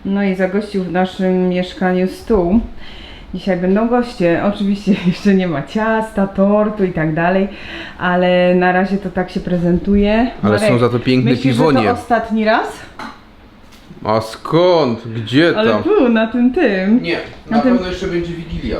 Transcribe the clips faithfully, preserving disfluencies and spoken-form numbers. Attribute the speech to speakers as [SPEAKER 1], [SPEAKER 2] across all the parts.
[SPEAKER 1] No i zagościł w naszym mieszkaniu stół. Dzisiaj będą goście. Oczywiście jeszcze nie ma ciasta, tortu i tak dalej, ale na razie to tak się prezentuje.
[SPEAKER 2] Ale
[SPEAKER 1] Marek,
[SPEAKER 2] są za to piękne
[SPEAKER 1] myślisz,
[SPEAKER 2] piwonie.
[SPEAKER 1] że to ostatni raz?
[SPEAKER 2] A skąd? Gdzie
[SPEAKER 1] Ale
[SPEAKER 2] tam?
[SPEAKER 1] tu, na tym tym.
[SPEAKER 2] Nie,
[SPEAKER 1] Na
[SPEAKER 2] na
[SPEAKER 1] tym-
[SPEAKER 2] pewno jeszcze będzie Wigilia.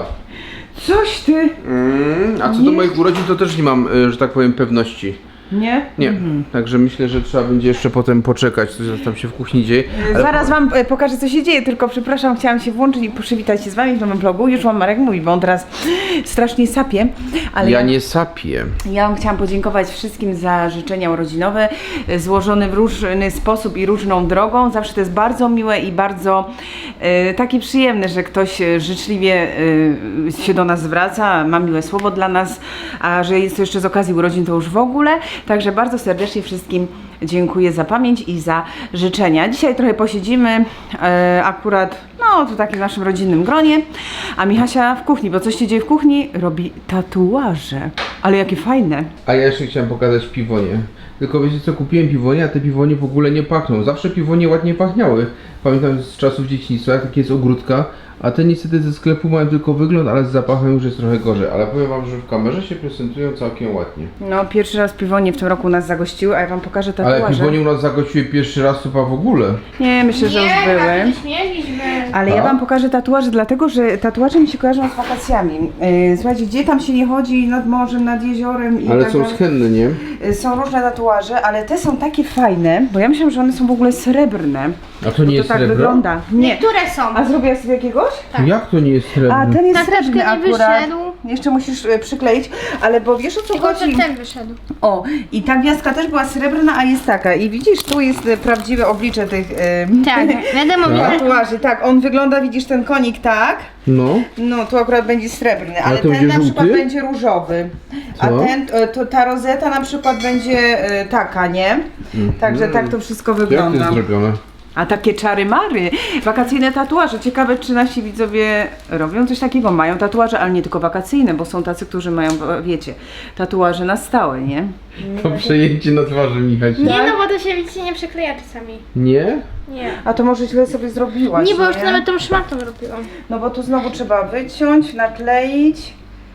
[SPEAKER 1] Coś ty.
[SPEAKER 2] Mm, a co
[SPEAKER 1] Nie.
[SPEAKER 2] do moich urodzin, to też nie mam, y, że tak powiem, pewności.
[SPEAKER 1] Nie?
[SPEAKER 2] Nie,
[SPEAKER 1] Mhm.
[SPEAKER 2] także myślę, że trzeba będzie jeszcze potem poczekać, co tam się w kuchni dzieje. Ale
[SPEAKER 1] Zaraz wam e, pokażę, co się dzieje, tylko przepraszam, chciałam się włączyć i przywitać się z wami w nowym vlogu. Już wam Marek mówi, bo on teraz strasznie sapie. Ale
[SPEAKER 2] ja nie sapię.
[SPEAKER 1] Ja wam chciałam podziękować wszystkim za życzenia urodzinowe, e, złożone w różny sposób i różną drogą. Zawsze to jest bardzo miłe i bardzo e, takie przyjemne, że ktoś e, życzliwie e, się do nas zwraca, ma miłe słowo dla nas, a że jest to jeszcze z okazji urodzin, to już w ogóle. Także bardzo serdecznie wszystkim dziękuję za pamięć i za życzenia. Dzisiaj trochę posiedzimy, e, akurat no to takie w naszym rodzinnym gronie, a Michasia w kuchni, bo coś się dzieje w kuchni, robi tatuaże. Ale jakie fajne.
[SPEAKER 2] A ja jeszcze chciałem pokazać piwonie. Tylko wiecie co, kupiłem piwonie, a te piwonie w ogóle nie pachną. Zawsze piwonie ładnie pachniały. Pamiętam z czasów dzieciństwa, takie jest ogródka. A te niestety ze sklepu mają tylko wygląd, ale z zapachem już jest trochę gorzej. Ale powiem wam, że w kamerze się prezentują całkiem ładnie.
[SPEAKER 1] No pierwszy raz piwonie w tym roku nas zagościły, a ja wam pokażę
[SPEAKER 2] Ale
[SPEAKER 1] tatuaże.
[SPEAKER 2] piwonie u nas zagościły pierwszy raz chyba w ogóle.
[SPEAKER 1] Nie, myślę, że już były.
[SPEAKER 3] tak nie mieliśmy.
[SPEAKER 1] Ale ja
[SPEAKER 2] A?
[SPEAKER 1] wam pokażę tatuaże, dlatego że tatuaże mi się kojarzą z wakacjami. Yy, słuchajcie, gdzie tam się nie chodzi nad morzem, nad jeziorem i
[SPEAKER 2] Ale
[SPEAKER 1] tak
[SPEAKER 2] są
[SPEAKER 1] dalej.
[SPEAKER 2] schenne, nie?
[SPEAKER 1] Yy, Są różne tatuaże, ale te są takie fajne, bo ja myślałam, że one są w ogóle srebrne.
[SPEAKER 2] A to nie
[SPEAKER 1] Bo
[SPEAKER 2] jest
[SPEAKER 1] to tak
[SPEAKER 2] srebro?
[SPEAKER 1] wygląda. Nie.
[SPEAKER 3] Niektóre są.
[SPEAKER 1] A zrobiłaś sobie jakiegoś?
[SPEAKER 3] Tak.
[SPEAKER 2] Jak to nie jest srebro?
[SPEAKER 1] A ten jest
[SPEAKER 3] Tak, troszkę
[SPEAKER 1] srebrny
[SPEAKER 3] nie
[SPEAKER 1] akurat.
[SPEAKER 3] wyszedł.
[SPEAKER 1] Jeszcze musisz e, przykleić, ale bo wiesz o co
[SPEAKER 3] Tylko,
[SPEAKER 1] chodzi?
[SPEAKER 3] że ten wyszedł.
[SPEAKER 1] O, i ta gwiazdka też była srebrna, a jest taka. I widzisz, tu jest e, prawdziwe oblicze tych e,
[SPEAKER 3] Tak, wiadomo,
[SPEAKER 2] Tak?
[SPEAKER 3] że
[SPEAKER 1] tatuaży. Tak, on wygląda, widzisz ten konik tak?
[SPEAKER 2] No.
[SPEAKER 1] No, tu akurat będzie srebrny, ale
[SPEAKER 2] to
[SPEAKER 1] ten
[SPEAKER 2] będzie
[SPEAKER 1] na przykład
[SPEAKER 2] żółty?
[SPEAKER 1] będzie różowy. A
[SPEAKER 2] Co?
[SPEAKER 1] ten, e, to, ta rozeta na przykład będzie e, taka, nie? Także tak to wszystko
[SPEAKER 2] Jak to
[SPEAKER 1] wygląda.
[SPEAKER 2] jest zrobione?
[SPEAKER 1] A takie czary-mary, wakacyjne tatuaże. Ciekawe, czy nasi widzowie robią coś takiego. Mają tatuaże, ale nie tylko wakacyjne, bo są tacy, którzy mają, wiecie, tatuaże na stałe, nie?
[SPEAKER 2] To przejęcie na twarzy, Michasi.
[SPEAKER 3] nie, no bo to się widzicie nie przykleja czasami.
[SPEAKER 2] Nie?
[SPEAKER 3] Nie.
[SPEAKER 1] A to może źle sobie zrobiłaś,
[SPEAKER 3] Nie, bo już nawet tą szmatą robiłam.
[SPEAKER 1] No bo tu znowu trzeba wyciąć, nakleić.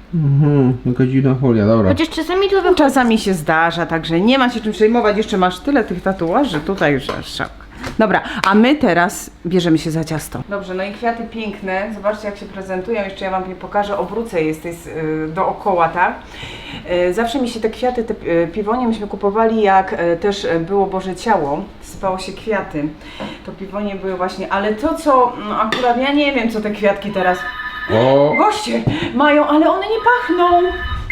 [SPEAKER 2] Mhm, jaka dziwna folia, dobra.
[SPEAKER 3] Chociaż czasami to wychodzi.
[SPEAKER 1] Czasami się zdarza, także nie ma się czym przejmować. Jeszcze masz tyle tych tatuaży tutaj, że szok. Dobra, a my teraz bierzemy się za ciasto. Dobrze, no i kwiaty piękne. Zobaczcie, jak się prezentują. Jeszcze ja wam je pokażę, obrócę je z tej, y, dookoła, tak? Y, Zawsze mi się te kwiaty, te y, piwonie myśmy kupowali, jak y, też y, było Boże Ciało, sypało się kwiaty. To piwonie były właśnie, ale to co, no akurat ja nie wiem, co te kwiatki teraz
[SPEAKER 2] O,
[SPEAKER 1] goście mają, ale one nie pachną.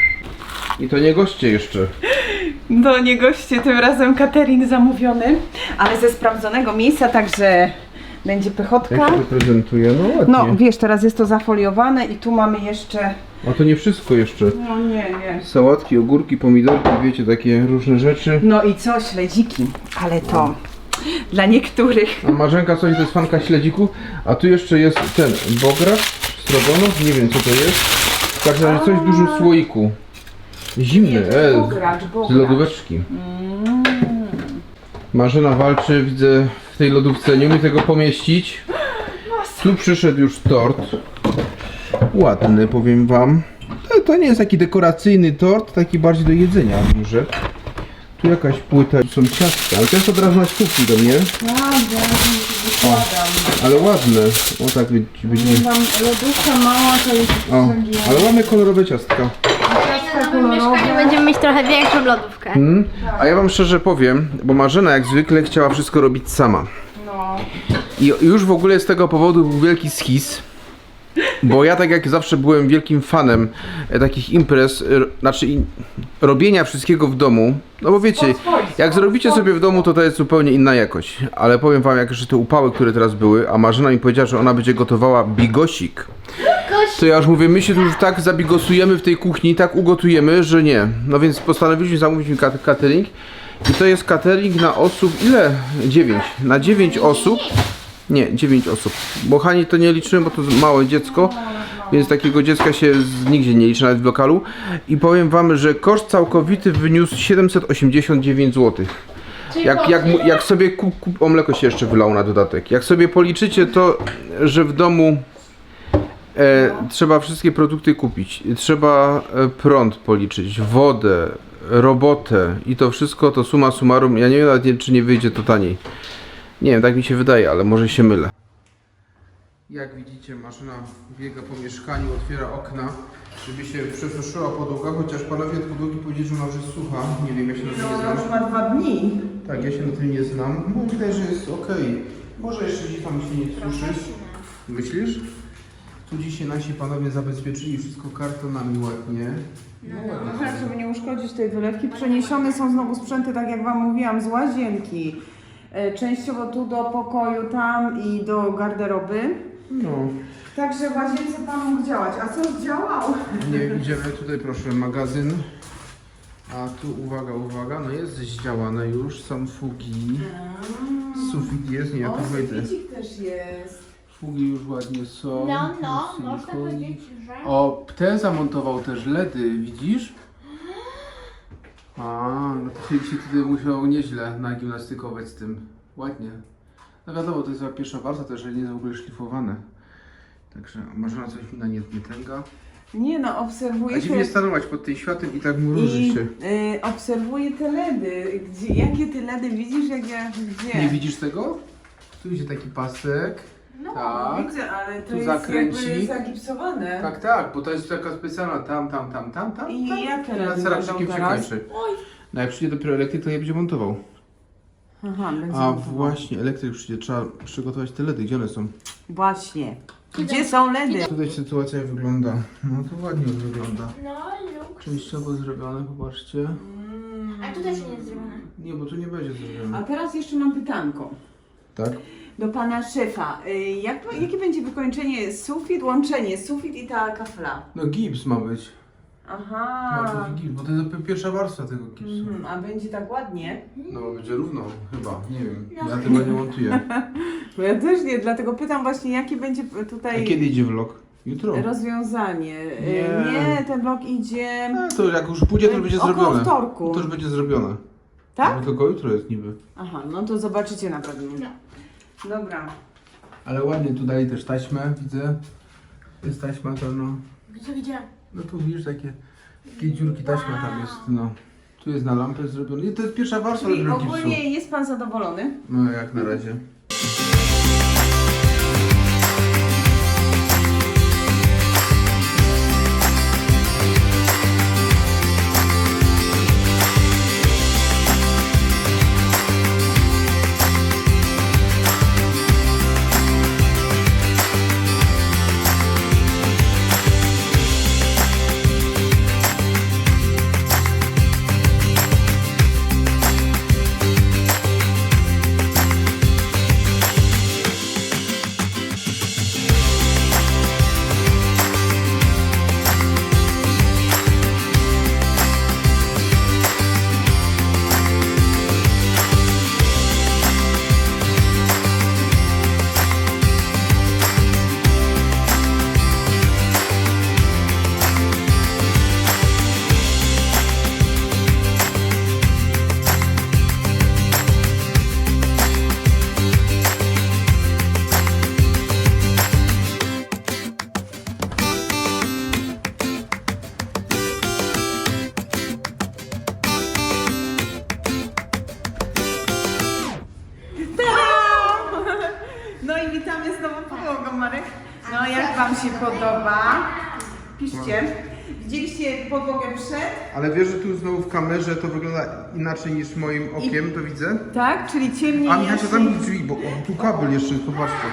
[SPEAKER 2] i to nie goście jeszcze.
[SPEAKER 1] No nie goście, tym razem catering zamówiony, ale ze sprawdzonego miejsca, także będzie pychotka.
[SPEAKER 2] Jak się to prezentuje? No ładnie.
[SPEAKER 1] No wiesz, teraz jest to zafoliowane i tu mamy jeszcze,
[SPEAKER 2] A to nie wszystko jeszcze.
[SPEAKER 1] no nie, nie.
[SPEAKER 2] Sałatki, ogórki, pomidorki, wiecie, takie różne rzeczy.
[SPEAKER 1] No i co, śledziki, ale to dla niektórych.
[SPEAKER 2] A Marzenka coś to jest fanka śledziku, a tu jeszcze jest ten bograk, strogonow, nie wiem co to jest. W każdym razie coś w dużym słoiku. Zimny,
[SPEAKER 1] Nie, to jest
[SPEAKER 2] e,
[SPEAKER 1] bogracz,
[SPEAKER 2] z
[SPEAKER 1] bogracz.
[SPEAKER 2] lodóweczki. Marzena walczy, widzę w tej lodówce, nie umie tego pomieścić. Tu przyszedł już tort. Ładny, powiem wam. To, to nie jest taki dekoracyjny tort, taki bardziej do jedzenia duży. Tu jakaś płyta, tu są ciastka, ale to jest od razu na stópki do mnie. O, ale ładne. O tak wy- będzie.
[SPEAKER 1] Mam lodówka mała, to jest
[SPEAKER 2] O, ale ładne kolorowe ciastka.
[SPEAKER 3] W nowym mieszkaniu będziemy mieć trochę większą lodówkę.
[SPEAKER 2] Mm. A ja wam szczerze powiem, bo Marzena jak zwykle chciała wszystko robić sama.
[SPEAKER 1] No.
[SPEAKER 2] I już w ogóle z tego powodu był wielki schizm. Bo ja tak jak zawsze byłem wielkim fanem e, takich imprez, r, znaczy i, robienia wszystkiego w domu. No bo wiecie, jak zrobicie sobie w domu, to to jest zupełnie inna jakość. Ale powiem wam, jak jeszcze te upały, które teraz były, a Marzena mi powiedziała, że ona będzie gotowała bigosik. To ja już mówię, my się tu już tak zabigosujemy w tej kuchni, tak ugotujemy, że nie. No więc postanowiliśmy zamówić mi kat- catering. I to jest catering na osób, ile? dziewięć. Na dziewięć osób. Nie, dziewięć osób. Bo Hani to nie liczyłem, bo to małe dziecko. Więc takiego dziecka się z, nigdzie nie liczy, nawet w lokalu. I powiem wam, że koszt całkowity wyniósł siedemset osiemdziesiąt dziewięć złotych. Jak, jak, mu- jak sobie kup, kup, o mleko się jeszcze wylało na dodatek. Jak sobie policzycie to, że w domu e, trzeba wszystkie produkty kupić. Trzeba e, prąd policzyć, wodę, robotę i to wszystko to summa summarum. Ja nie wiem nawet nie, czy nie wyjdzie to taniej. Nie wiem, tak mi się wydaje, ale może się mylę. Jak widzicie, maszyna biega po mieszkaniu, otwiera okna, żeby się przesuszyła podłoga, chociaż panowie od podłogi powiedzieli, że ona już jest sucha. Nie wiem, ja się na tym nie znam.
[SPEAKER 1] ma dwa dni.
[SPEAKER 2] Tak, ja się na tym nie znam. No wydaje, że jest ok. Może jeszcze gdzieś tam się nie suszy. Myślisz? Tu dzisiaj nasi panowie zabezpieczyli wszystko kartonami ładnie. No ładnie.
[SPEAKER 1] Tak, żeby nie uszkodzić tej wylewki. Przeniesione są znowu sprzęty, tak jak Wam mówiłam, z łazienki. E, Częściowo tu do pokoju, tam i do garderoby.
[SPEAKER 2] No.
[SPEAKER 1] Także w łazience Pan mógł działać. A co zdziałał?
[SPEAKER 2] Nie wiem, idziemy tutaj, proszę, magazyn. A tu uwaga, uwaga, no jest zdziałane już, są fugi. Sufit jest, nie, ja tu wejdę.
[SPEAKER 1] suficik też jest.
[SPEAKER 2] Fugi już ładnie są.
[SPEAKER 3] No, no,
[SPEAKER 2] Silikon.
[SPEAKER 3] można powiedzieć, że...
[SPEAKER 2] O, ten zamontował też ledy, widzisz? A, no to się się tutaj musiał nieźle nagimnastykować z tym. Ładnie. No wiadomo, to jest chyba pierwsza warstwa, to jeżeli nie jest w ogóle szlifowane. Także Marzena coś mi na nie, nie tęga.
[SPEAKER 1] Nie no,
[SPEAKER 2] A
[SPEAKER 1] obserwuję
[SPEAKER 2] dziwnie
[SPEAKER 1] te,
[SPEAKER 2] stanować pod tym światłem i tak mruży
[SPEAKER 1] i
[SPEAKER 2] się.
[SPEAKER 1] y, obserwuję te ledy. Gdzie, jakie ty ledy widzisz, jak ja, gdzie?
[SPEAKER 2] Nie widzisz tego? Tu idzie taki pasek.
[SPEAKER 1] No,
[SPEAKER 2] tak.
[SPEAKER 1] widzę, ale to
[SPEAKER 2] Tu
[SPEAKER 1] jest
[SPEAKER 2] zakręci.
[SPEAKER 1] jakby zagipsowane.
[SPEAKER 2] Tak, tak, bo to jest taka specjalna tam, tam, tam, tam, tam.
[SPEAKER 1] I
[SPEAKER 2] tam.
[SPEAKER 1] jak te
[SPEAKER 2] I na
[SPEAKER 1] ledy
[SPEAKER 2] ceramikiem
[SPEAKER 1] będą
[SPEAKER 2] się
[SPEAKER 1] teraz?
[SPEAKER 2] kończy. No jak przyjdzie dopiero elektryk, to je będzie montował.
[SPEAKER 1] Aha, będzie
[SPEAKER 2] A
[SPEAKER 1] montował.
[SPEAKER 2] właśnie, elektryk przyjdzie, trzeba przygotować te ledy, gdzie one są?
[SPEAKER 1] Właśnie. Gdzie są ledy?
[SPEAKER 2] Tutaj sytuacja wygląda, no to ładnie już wygląda.
[SPEAKER 3] No, luks.
[SPEAKER 2] Częściowo zrobione, popatrzcie.
[SPEAKER 3] A tu też nie jest zrobione.
[SPEAKER 2] Nie, bo tu nie będzie
[SPEAKER 1] A
[SPEAKER 2] zrobione.
[SPEAKER 1] teraz jeszcze mam pytanko
[SPEAKER 2] Tak?
[SPEAKER 1] do pana szefa. Y, Jak, jakie będzie wykończenie sufit, łączenie sufit i ta kafla?
[SPEAKER 2] No gips ma być. Ma
[SPEAKER 1] Aha.
[SPEAKER 2] być gips, bo to jest pierwsza warstwa tego gipsu.
[SPEAKER 1] Mhm, a będzie tak ładnie?
[SPEAKER 2] No będzie równo, chyba, nie wiem. Ja tego nie montuję.
[SPEAKER 1] Bo ja też nie, dlatego pytam właśnie, jakie będzie
[SPEAKER 2] A
[SPEAKER 1] tutaj
[SPEAKER 2] kiedy idzie vlog? Jutro.
[SPEAKER 1] rozwiązanie. Y,
[SPEAKER 2] Nie.
[SPEAKER 1] Nie, ten blok idzie...
[SPEAKER 2] A, to jak już pójdzie, to już będzie
[SPEAKER 1] Około
[SPEAKER 2] zrobione.
[SPEAKER 1] wtorku.
[SPEAKER 2] To już będzie zrobione.
[SPEAKER 1] Tak?
[SPEAKER 2] No tylko jutro jest niby.
[SPEAKER 1] Aha, no to zobaczycie na pewno.
[SPEAKER 3] No.
[SPEAKER 1] Dobra.
[SPEAKER 2] Ale ładnie tu dali też taśmę, widzę. Jest taśma to no.
[SPEAKER 3] Gdzie, gdzie?
[SPEAKER 2] No tu widzisz takie, takie dziurki taśma tam jest, no. Tu jest na lampę zrobione. I to jest pierwsza warstwa
[SPEAKER 1] Czyli
[SPEAKER 2] tego gipsu.
[SPEAKER 1] ogólnie jest pan zadowolony?
[SPEAKER 2] No jak na razie.
[SPEAKER 1] No i witamy z nową podłogą, Marek. No jak wam się podoba? Piszcie. Widzieliście podłogę przed?
[SPEAKER 2] Ale wiesz, że tu znowu w kamerze to wygląda inaczej niż moim okiem, to widzę?
[SPEAKER 1] Tak, czyli ciemniej.
[SPEAKER 2] A Michał,
[SPEAKER 1] jaśniej.
[SPEAKER 2] zamknij drzwi, bo o, tu kabel jeszcze jest, popatrzcie.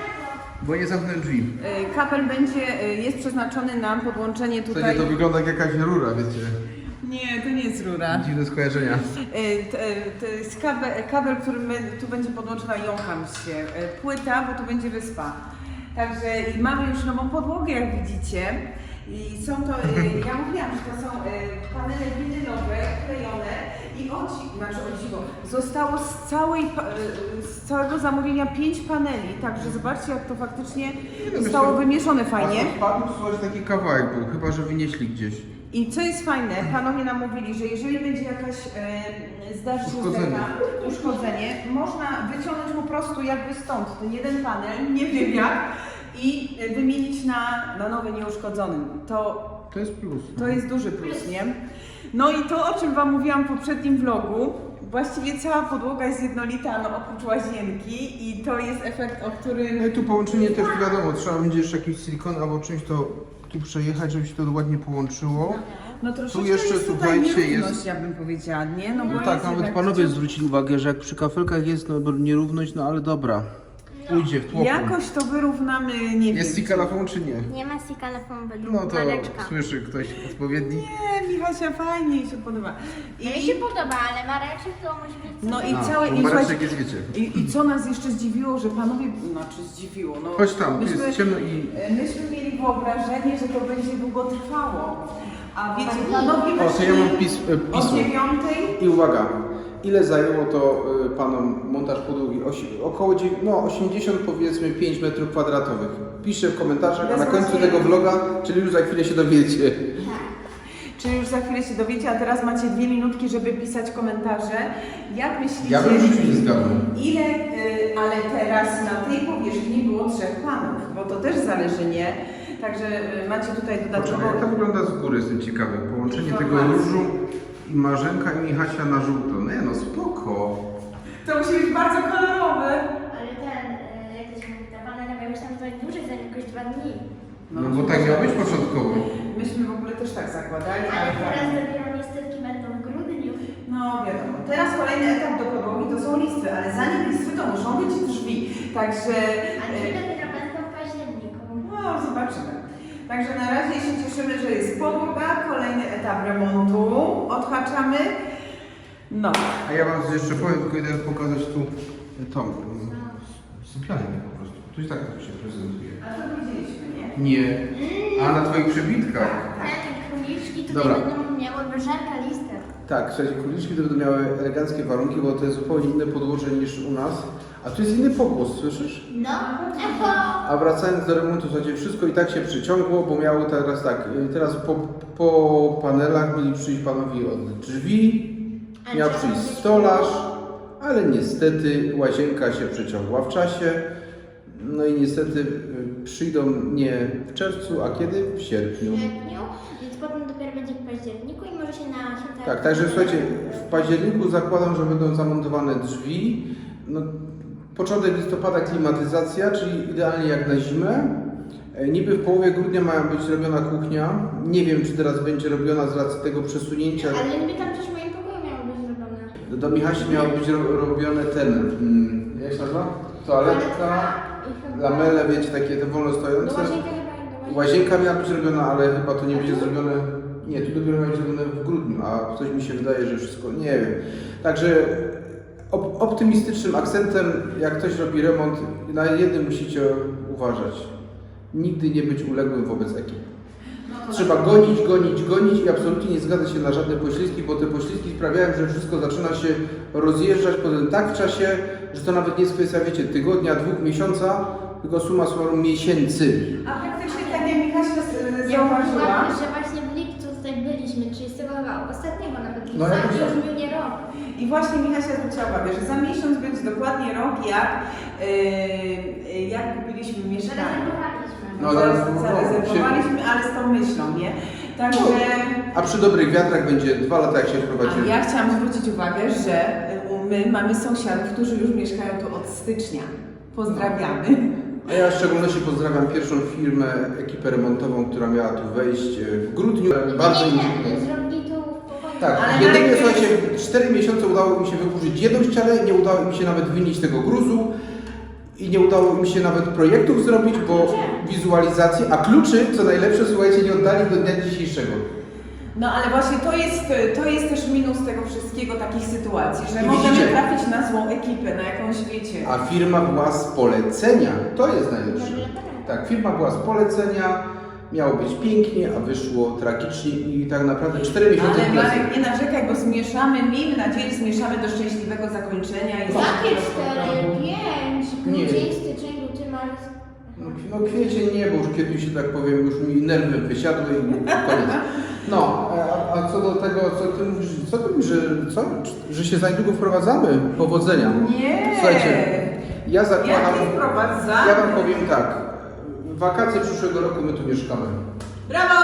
[SPEAKER 2] Bo nie zamknę drzwi.
[SPEAKER 1] Y, Kapel będzie, y, jest przeznaczony na podłączenie
[SPEAKER 2] W
[SPEAKER 1] tutaj.
[SPEAKER 2] zasadzie to wygląda jak jakaś rura, wiecie.
[SPEAKER 1] Nie, to nie jest rura.
[SPEAKER 2] Dziwne skojarzenia.
[SPEAKER 1] Y, To, to jest kabel, kabel, który my, tu będzie podłączona, jąkam się. Y, Płyta, bo tu będzie wyspa. Także i mamy już nową podłogę, jak widzicie. I są to, y, ja mówiłam, że to są y, panele winylowe, klejone i o dzi- znaczy o dziwo, zostało z, całej, pa- y, z całego zamówienia pięć paneli, także zobaczcie, jak to faktycznie
[SPEAKER 2] no
[SPEAKER 1] zostało
[SPEAKER 2] myślę-
[SPEAKER 1] wymieszone fajnie.
[SPEAKER 2] A wpadł słuchaj taki kawałek był, chyba że wynieśli gdzieś.
[SPEAKER 1] I co jest fajne, panowie nam mówili, że jeżeli będzie jakaś, e, zdarzy się
[SPEAKER 2] Uszkodzenie.
[SPEAKER 1] taka uszkodzenie, można wyciągnąć po prostu jakby stąd ten jeden panel, nie wiem jak, i wymienić na, na nowy nieuszkodzony. To,
[SPEAKER 2] To jest plus.
[SPEAKER 1] to jest duży plus, nie? No i to, o czym wam mówiłam w poprzednim vlogu, właściwie cała podłoga jest jednolita, no oprócz łazienki i to jest efekt, o którym...
[SPEAKER 2] No i tu połączenie też wiadomo, trzeba będzie jeszcze jakiś silikon albo czymś to tu przejechać, żeby się to ładnie połączyło.
[SPEAKER 1] No troszeczkę
[SPEAKER 2] Tu jeszcze,
[SPEAKER 1] jest tutaj
[SPEAKER 2] słuchajcie,
[SPEAKER 1] nierówność,
[SPEAKER 2] jest-
[SPEAKER 1] ja bym powiedziała, nie? No, bo
[SPEAKER 2] No
[SPEAKER 1] jest
[SPEAKER 2] tak, nawet
[SPEAKER 1] jednak
[SPEAKER 2] panowie
[SPEAKER 1] wciąż-
[SPEAKER 2] zwrócili uwagę, że jak przy kafelkach jest no, nierówność, no ale dobra. Pójdzie w tłoku.
[SPEAKER 1] Jakoś to wyrównamy, nie wiem.
[SPEAKER 2] Jest sikalafon czy nie?
[SPEAKER 3] Nie ma sikalafon według
[SPEAKER 2] No to
[SPEAKER 3] Mareczka.
[SPEAKER 2] słyszy ktoś odpowiedni.
[SPEAKER 1] Nie, Michasia, fajnie jej się podoba.
[SPEAKER 3] No mi się podoba, ale Mareczek to musi być...
[SPEAKER 1] No i
[SPEAKER 2] A,
[SPEAKER 1] całe...
[SPEAKER 2] bo
[SPEAKER 1] I,
[SPEAKER 2] Mareczek
[SPEAKER 1] słuchajcie,
[SPEAKER 2] jest, wiecie.
[SPEAKER 1] i, I co nas jeszcze zdziwiło, że panowie... Znaczy zdziwiło, no...
[SPEAKER 2] Chodź tam, tu
[SPEAKER 1] myśmy,
[SPEAKER 2] jest ciemno i...
[SPEAKER 1] Myśmy mieli wyobrażenie, że to będzie długo trwało. A wiecie, panowie
[SPEAKER 2] O, to ja mam
[SPEAKER 1] weszli
[SPEAKER 2] pis, e,
[SPEAKER 1] o
[SPEAKER 2] pismo.
[SPEAKER 1] dziewiątej.
[SPEAKER 2] I uwaga, ile zajęło to y, panom montaż podłogi? Osi, około dziew- no, osiemdziesiąt powiedzmy pięć metrów kwadratowych. Piszę w komentarzach, a na końcu tego vloga, czyli już za chwilę się dowiecie.
[SPEAKER 1] Czyli już za chwilę się dowiecie, a teraz macie dwie minutki, żeby pisać komentarze. Jak myślicie...
[SPEAKER 2] Ja bym w życiu nie zgadnął.
[SPEAKER 1] Ile, y, ale teraz na tej powierzchni było trzech panów, bo to też zależy, nie? Także y, macie tutaj dodatkowo...
[SPEAKER 2] Poczekaj, jak to wygląda z góry, jestem ciekawy. Połączenie tego
[SPEAKER 1] Informacje.
[SPEAKER 2] różu i Marzenka i Michasia na żółto. Nie no, spoko.
[SPEAKER 1] To musi być bardzo kolorowe.
[SPEAKER 3] Ale ten, e, jak to się mówi, ta banana miała być tam trochę dłużej, za jakoś dwa dni.
[SPEAKER 2] No bo tak miało być początkowo.
[SPEAKER 1] Myśmy w ogóle też tak zakładali,
[SPEAKER 3] Ale
[SPEAKER 1] ale
[SPEAKER 3] teraz
[SPEAKER 1] tak.
[SPEAKER 3] dopiero niestety będą w grudniu.
[SPEAKER 1] No wiadomo. Teraz kolejny etap do podłogi to są listwy, ale zanim listwy to muszą być drzwi. Także...
[SPEAKER 3] A drzwi
[SPEAKER 1] y,
[SPEAKER 3] dopiero będą w październiku.
[SPEAKER 1] No, zobaczymy. Także na razie się cieszymy, że jest podłoga, kolejny etap remontu, odhaczamy. No.
[SPEAKER 2] A ja wam jeszcze powiem, tylko idę pokazać tu tą mm, sypialnię po prostu. Tu i tak to się prezentuje.
[SPEAKER 1] A to widzieliśmy, nie?
[SPEAKER 2] Nie. A na twoich przebitkach.
[SPEAKER 3] Te króliczki tutaj
[SPEAKER 1] Dobra.
[SPEAKER 3] będą miały wyżerka listę.
[SPEAKER 2] Tak, słuchajcie, króliczki to będą miały eleganckie warunki, bo to jest zupełnie inne podłoże niż u nas. A tu jest inny pogłos, słyszysz?
[SPEAKER 3] No, echo!
[SPEAKER 2] A wracając do remontu, słuchajcie, wszystko i tak się przyciągło, bo miało teraz tak, y, teraz po, po panelach mieli przyjść panowie od drzwi, miał przyjść stolarz, ale niestety łazienka się przeciągła w czasie. No i niestety y, przyjdą nie w czerwcu, a kiedy? W sierpniu.
[SPEAKER 3] W sierpniu, więc potem dopiero będzie w październiku i może się na święta...
[SPEAKER 2] Tak, także słuchajcie, w październiku zakładam, że będą zamontowane drzwi. No, początek listopada klimatyzacja, czyli idealnie jak na zimę. E, Niby w połowie grudnia ma być robiona kuchnia. Nie wiem, czy teraz będzie robiona z racji tego przesunięcia.
[SPEAKER 3] Ale niby tam też w moim pokoju miało być zrobione.
[SPEAKER 2] Do Michasi miało być ro robione ten, mm, jak się nazywa? Toaletka, lamele, wiecie, takie te wolno
[SPEAKER 3] Do
[SPEAKER 2] stojące.
[SPEAKER 3] łazienki chyba nie do łazienki.
[SPEAKER 2] Łazienka miała być robiona, ale chyba to nie będzie zrobione. Nie, tu dopiero ma być zrobione w grudniu, a coś mi się wydaje, że wszystko. Nie wiem. Także op optymistycznym akcentem, jak ktoś robi remont, na jednym musicie uważać. Nigdy nie być uległym wobec ekip. Trzeba gonić, gonić, gonić i absolutnie nie zgadzać się na żadne poślizgi, bo te poślizgi sprawiają, że wszystko zaczyna się rozjeżdżać potem tak w czasie, że to nawet nie jest kwestia, wiecie, tygodnia, dwóch, miesiąca, tylko summa summarum miesięcy.
[SPEAKER 1] A praktycznie tak jak Michasia z-
[SPEAKER 3] Ja
[SPEAKER 1] zauważyła,
[SPEAKER 3] uważam, że właśnie w lipcu tutaj byliśmy, czyli z tego chyba ostatniego nawet lipca,
[SPEAKER 2] No, jakoś
[SPEAKER 3] i
[SPEAKER 2] tak.
[SPEAKER 3] już minie rok.
[SPEAKER 1] i właśnie Michasia zwróciła uwagę, że za miesiąc będzie dokładnie rok, jak, yy, jak kupiliśmy mieszkanie.
[SPEAKER 3] Zarezerwowaliśmy.
[SPEAKER 2] No,
[SPEAKER 1] Za-
[SPEAKER 2] zaraz- no,
[SPEAKER 1] Zarezerwowaliśmy, ale z tą myślą, nie? Także...
[SPEAKER 2] A przy dobrych wiatrach będzie dwa lata, jak się
[SPEAKER 1] A
[SPEAKER 2] wprowadzimy.
[SPEAKER 1] ja chciałam zwrócić uwagę, że y, my mamy sąsiadów, którzy już mieszkają tu od stycznia. Pozdrawiamy.
[SPEAKER 2] A ja w szczególności pozdrawiam pierwszą firmę, ekipę remontową, która miała tu wejść e, w grudniu. Bardzo
[SPEAKER 3] nie,
[SPEAKER 2] im
[SPEAKER 3] nie,
[SPEAKER 2] dziękuję.
[SPEAKER 3] zrobili to w pokoju.
[SPEAKER 2] Tak,
[SPEAKER 1] Ale
[SPEAKER 2] jedynie
[SPEAKER 1] najpierw-
[SPEAKER 2] słuchajcie, w cztery miesiące udało mi się wyburzyć jedną ścianę, nie udało mi się nawet wynieść tego gruzu i nie udało mi się nawet projektów zrobić, bo wizualizacji, a kluczy, co najlepsze, słuchajcie, nie oddali do dnia dzisiejszego.
[SPEAKER 1] No ale właśnie to jest, to jest też minus tego wszystkiego, takich sytuacji, że
[SPEAKER 2] I
[SPEAKER 1] możemy
[SPEAKER 2] widzicie?
[SPEAKER 1] trafić na złą ekipę, na jakąś wiecie.
[SPEAKER 2] A firma była z polecenia, to jest najlepsze. Tak, firma była z polecenia, miało być pięknie, a wyszło tragicznie i tak naprawdę cztery miesiące
[SPEAKER 1] Ale
[SPEAKER 2] w plecy.
[SPEAKER 1] Marek, nie narzekaj, bo zmieszamy, miejmy nadzieję, zmieszamy do szczęśliwego zakończenia. I
[SPEAKER 3] Jakie cztery, pięć,
[SPEAKER 2] Nie.
[SPEAKER 3] grudzień, styczeń, luty, marzec.
[SPEAKER 2] No, no kwiecień nie, bo już kiedyś, że tak powiem, już mi nerwy wysiadły i koniec. No, a, a co do tego, co ty mówisz, co ty mówisz, że, co, że się za niedługo wprowadzamy? Powodzenia.
[SPEAKER 1] Nie!
[SPEAKER 2] Słuchajcie, ja zakładam,
[SPEAKER 1] Jakie wprowadzamy?
[SPEAKER 2] ja wam powiem tak, w wakacje przyszłego roku my tu mieszkamy.
[SPEAKER 1] Brawo!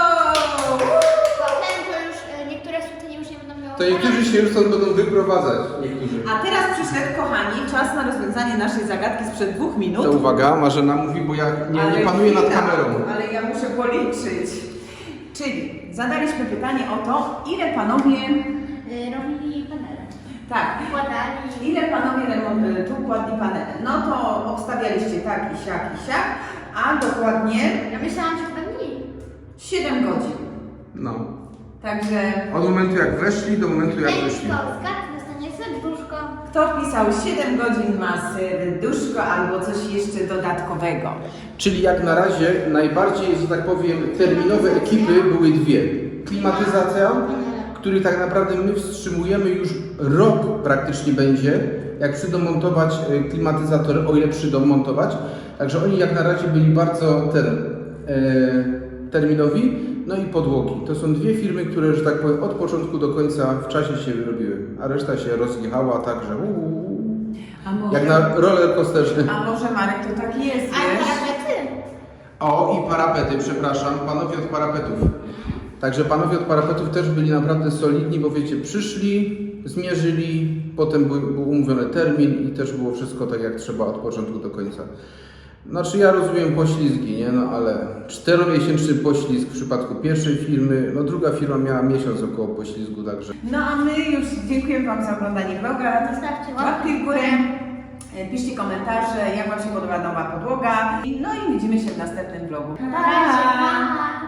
[SPEAKER 3] Potem to już e, niektóre świątynie już nie będą miały.
[SPEAKER 2] To niektórzy się już stąd będą wyprowadzać, niektórzy.
[SPEAKER 1] A teraz przyszedł, kochani, czas na rozwiązanie naszej zagadki sprzed dwóch minut.
[SPEAKER 2] To uwaga, Marzena mówi, bo ja nie,
[SPEAKER 1] Ale
[SPEAKER 2] nie panuję nad
[SPEAKER 1] chwila,
[SPEAKER 2] kamerą.
[SPEAKER 1] Ale ja muszę policzyć. Czyli zadaliśmy pytanie o to, ile panowie,
[SPEAKER 3] E, robili panele.
[SPEAKER 1] tak,
[SPEAKER 3] Układali.
[SPEAKER 1] ile panowie remont- tu kładli panele. No to obstawialiście tak i siak i siak, a dokładnie
[SPEAKER 3] Ja myślałam, że chyba mniej.
[SPEAKER 1] siedem godzin.
[SPEAKER 2] No.
[SPEAKER 1] Także
[SPEAKER 2] Od momentu jak weszli do momentu jak
[SPEAKER 3] Ten,
[SPEAKER 2] wyszli.
[SPEAKER 3] kto zgadł, dostanie serduszko.
[SPEAKER 1] kto wpisał siedem godzin ma serduszko albo coś jeszcze dodatkowego.
[SPEAKER 2] Czyli jak na razie najbardziej, że tak powiem, terminowe ekipy były dwie. Klimatyzacja, który tak naprawdę my wstrzymujemy już rok praktycznie będzie, jak przyjdą montować e, klimatyzatory, o ile przyjdą montować. Także oni jak na razie byli bardzo ten, e, terminowi. No i podłogi. To są dwie firmy, które, że tak powiem, od początku do końca w czasie się wyrobiły, a reszta się rozjechała także uuu,
[SPEAKER 1] A może,
[SPEAKER 2] jak na roller coasterze.
[SPEAKER 1] a może Marek to tak jest,
[SPEAKER 3] A
[SPEAKER 1] wiesz?
[SPEAKER 3] parapety?
[SPEAKER 2] O, i parapety, przepraszam, panowie od parapetów. Także panowie od parapetów też byli naprawdę solidni, bo wiecie, przyszli, zmierzyli, potem był, był umówiony termin i też było wszystko tak jak trzeba od początku do końca. Znaczy ja rozumiem poślizgi, nie? No ale czteromiesięczny poślizg w przypadku pierwszej firmy, no druga firma miała miesiąc około poślizgu, także.
[SPEAKER 1] No a my już dziękujemy Wam za oglądanie vloga.
[SPEAKER 3] Zostawcie
[SPEAKER 1] Łapki w górę, e, piszcie komentarze, jak Wam się podoba nowa podłoga. I- No i widzimy się w następnym vlogu.
[SPEAKER 3] Na razie, pa!